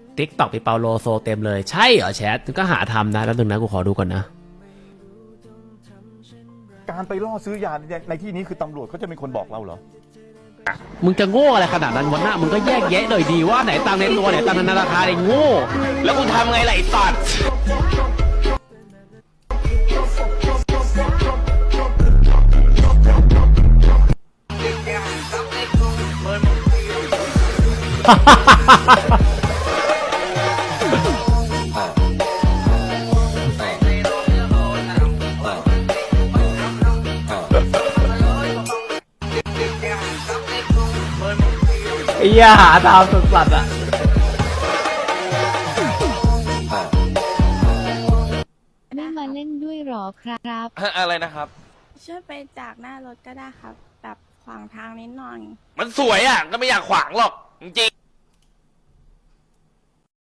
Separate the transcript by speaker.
Speaker 1: ติ๊กต็อกพี่เปาโลโซเต็มเลยใช่เหรอแชทก็หาทำนะแล้วนึงนะกูขอดูก่อนนะ
Speaker 2: การไปล่อซื้อยาในที่นี้คือตำรวจเขาจะเป็นคนบอกเราเหรอ
Speaker 1: มึงจะโง่อะไรขนาดนั้นวันหน้ามึงก็แยกแยะหน่อยดีว่าไหนตังในตัวไหนตังในธนาคารไอ้โง่แล้วกูทำไงล่ะไอ้สัตว์ไอ้ยาหาทางสัตว์อะ
Speaker 3: ไม่มาเล่นด้วยหรอครับ
Speaker 4: อะไรนะครับ
Speaker 5: ช่วยไปจากหน้ารถก็ได้ครับแบบขวางทางนิดหน่อย
Speaker 4: มันสวยอ่ะก็ไม่อยากขวางหรอกจริง